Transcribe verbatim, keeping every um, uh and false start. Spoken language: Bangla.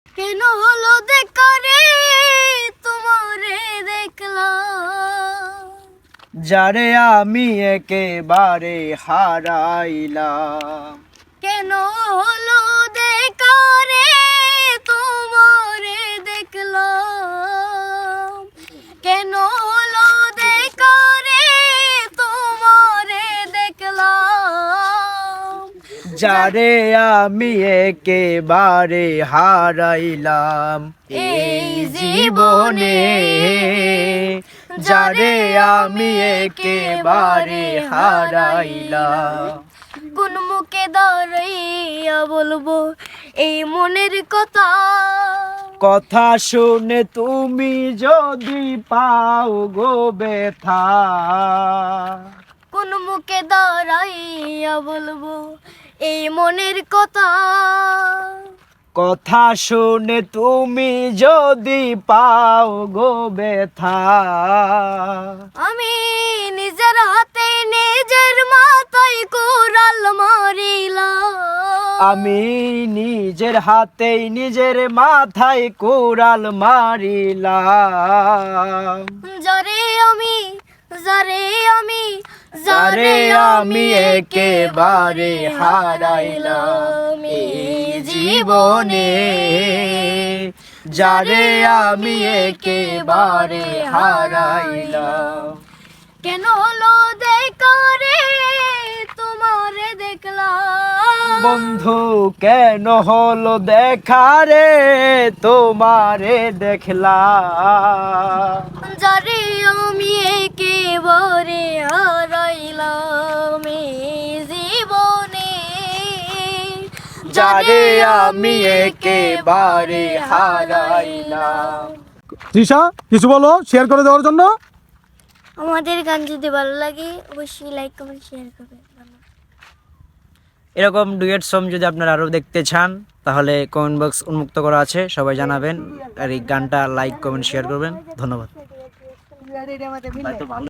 কেন হলো দেখা রে তোমারে দেখলাম, যারে আমি একেবারে হারাইলাম। কেন হলো দেখা রে তোমারে দেখলাম, কেন হলো দেখা রে তোমারে দেখলাম, যারে আমি একেবারে হারাইলাম এই জীবনে, যারে আমি একেবারে হারাইলাম। কোন মুখে দাঁড়াইয়া বলবো এই মনের কথা, কথা শুনে তুমি যদি পাও গো ব্যথা, কোন মুখে দাঁড়াইয়া বলবো এই মনের কথা, কথা শুনে তুমি যদি পাও গো ব্যথা। আমি নিজের হাতে নিজের মাথায় কোরাল মারিলাম, আমি নিজের হাতেই নিজের মাথায় কোরাল মারিলাম। যারে আমি যারে আমি যারে আমি একেবারে হারাইলাম এই জীবনে, যারে আমি একেবারে হারাইলাম। কেন হলো দেখা রে তোমারে দেখলাম, বন্ধু কেন হলো দেখা রে তোমারে দেখলাম। যারে আমি একেবারে হারাইলাম এই জীবনে, যারে আমি একেবারে হারাইলাম। তৃষা, কিছু বলো শেয়ার করে দেওয়ার জন্য। আমাদের গান যদি ভালো লাগে অবশ্যই লাইক কমেন্ট শেয়ার করবেন। এরকম ডুয়েট সং যদি আপনারা আরও দেখতে চান তাহলে কমেন্ট বক্স উন্মুক্ত করা আছে, সবাই জানাবেন আর এই গানটা লাইক কমেন্ট শেয়ার করবেন। ধন্যবাদ।